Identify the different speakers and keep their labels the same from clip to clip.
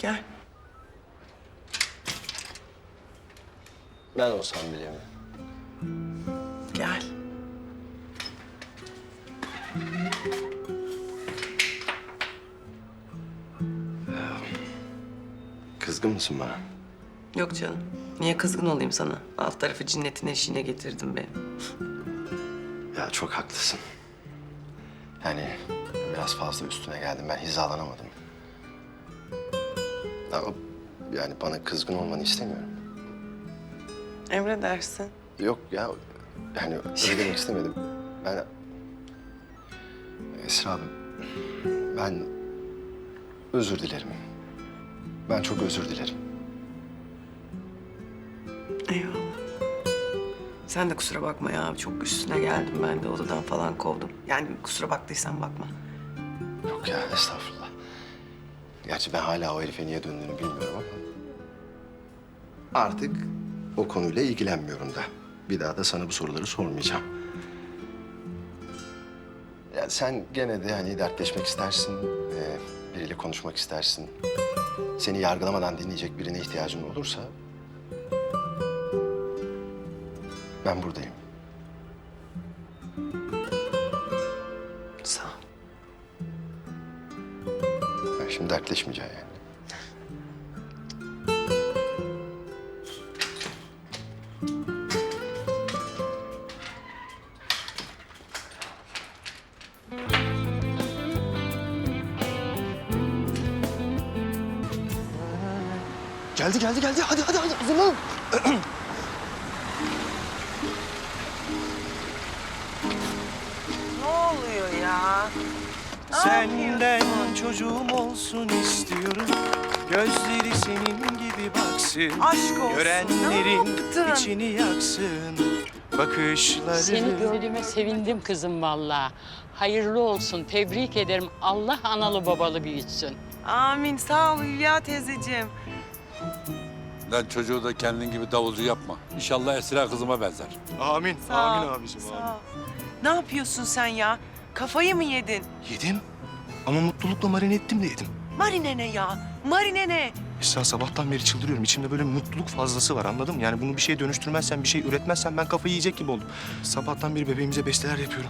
Speaker 1: Gel.
Speaker 2: Ben olsam bile mi?
Speaker 1: Gel.
Speaker 2: Kızgın mısın bana?
Speaker 1: Yok canım. Niye kızgın olayım sana? Alt tarafı cinnetin eşiğine getirdin beni.
Speaker 2: Ya çok haklısın. Yani biraz fazla üstüne geldim. Ben hizalanamadım. Ama yani bana kızgın olmanı istemiyorum.
Speaker 1: Emredersin.
Speaker 2: Yok ya, yani öyle demek istemedim. Ben... Esra abi, ben özür dilerim. Ben çok özür dilerim.
Speaker 1: Eyvallah. Sen de kusura bakma ya. Çok üstüne geldim ben de odadan falan kovdum. Yani kusura baktıysan bakma.
Speaker 2: Yok ya, estağfurullah. Gerçi ben hala o herife niye döndüğünü bilmiyorum ama... Artık o konuyla ilgilenmiyorum da. Bir daha da sana bu soruları sormayacağım. Ya sen gene de hani dertleşmek istersin, biriyle konuşmak istersin. Seni yargılamadan dinleyecek birine ihtiyacın olursa... Ben buradayım.
Speaker 1: Sağ ol.
Speaker 2: Ben şimdi dertleşmeyeceğim yani. Geldi. Hadi hazırlan.
Speaker 1: Ne oluyor ya?
Speaker 3: Senden çocuğum olsun istiyorum. Gözleri senin gibi baksın.
Speaker 1: Aşk olsun.
Speaker 3: Görenlerin
Speaker 1: Ne yaptın?
Speaker 3: içini yaksın. Bakışları...
Speaker 4: Seni gördüğüme sevindim kızım vallahi. Hayırlı olsun, tebrik ederim. Allah analı babalı büyütsün.
Speaker 1: Amin. Sağ ol Hülya teyzeciğim.
Speaker 5: Lan çocuğu da kendin gibi davulcu yapma. İnşallah Esra kızıma benzer.
Speaker 3: Amin.
Speaker 1: Sağ
Speaker 3: Amin
Speaker 1: ol,
Speaker 3: abicim.
Speaker 1: sağ
Speaker 3: Amin.
Speaker 1: ol. Ne yapıyorsun sen ya? Kafayı mı yedin?
Speaker 3: Yedim. Ama mutlulukla marine ettim de yedim.
Speaker 1: Marine ne ya? Marine ne?
Speaker 3: Esra sabahtan beri çıldırıyorum. İçimde böyle mutluluk fazlası var, anladın mı? Yani bunu bir şeye dönüştürmezsen, bir şey üretmezsen ben kafayı yiyecek gibi oldum. Sabahtan beri bebeğimize besteler yapıyorum.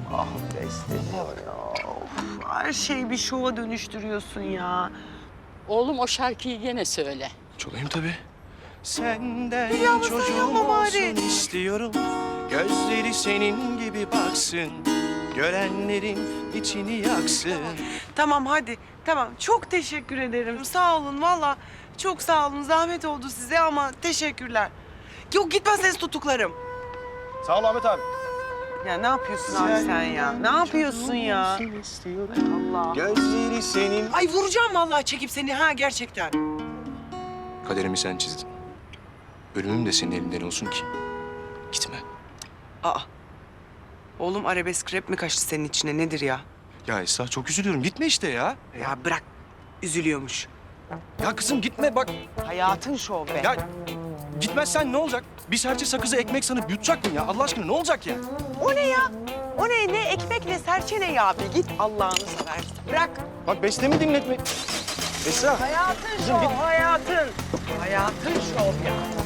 Speaker 1: Her şeyi bir şova dönüştürüyorsun ya.
Speaker 4: Oğlum o şarkıyı gene söyle.
Speaker 3: Çalayım tabii. Senden
Speaker 1: Yalnız
Speaker 3: çocuğum
Speaker 1: dayanma bari.
Speaker 3: olsun istiyorum. Gözleri senin gibi baksın. Görenlerin içini yaksın.
Speaker 1: Tamam hadi. Tamam. Çok teşekkür ederim. Sağ olun valla. Çok sağ olun. Zahmet oldu size ama teşekkürler. Yok gitmezseniz tutuklarım.
Speaker 3: Sağ ol Ahmet abi.
Speaker 1: Ya ne yapıyorsun abi sen ya? Ne yapıyorsun ya? Allah.
Speaker 3: Gözleri senin...
Speaker 1: Ay vuracağım vallahi çekip seni ha gerçekten.
Speaker 3: Kaderimi sen çizdin. Ölümüm de senin elinden olsun ki. Gitme.
Speaker 1: Aa. Oğlum arabesk rap mi kaçtı senin içine nedir ya?
Speaker 3: Ya Esra çok üzülüyorum. Gitme işte ya.
Speaker 1: Ya bırak. Üzülüyormuş.
Speaker 3: Ya kızım gitme bak.
Speaker 1: Hayatın şov be.
Speaker 3: Ya gitmezsen ne olacak? Bir serçe sakızı ekmek sanıp yutacak mı ya? Allah aşkına ne olacak ya?
Speaker 1: O ne ya? O ne? Ne ekmek ne serçe ne ya? Bir git Allah'ını seversen. Bırak.
Speaker 3: Bak bestemi dinletme. Esra.
Speaker 1: Hayatın
Speaker 3: Kızım
Speaker 1: şov,
Speaker 3: git.
Speaker 1: hayatın. Hayatın şov ya.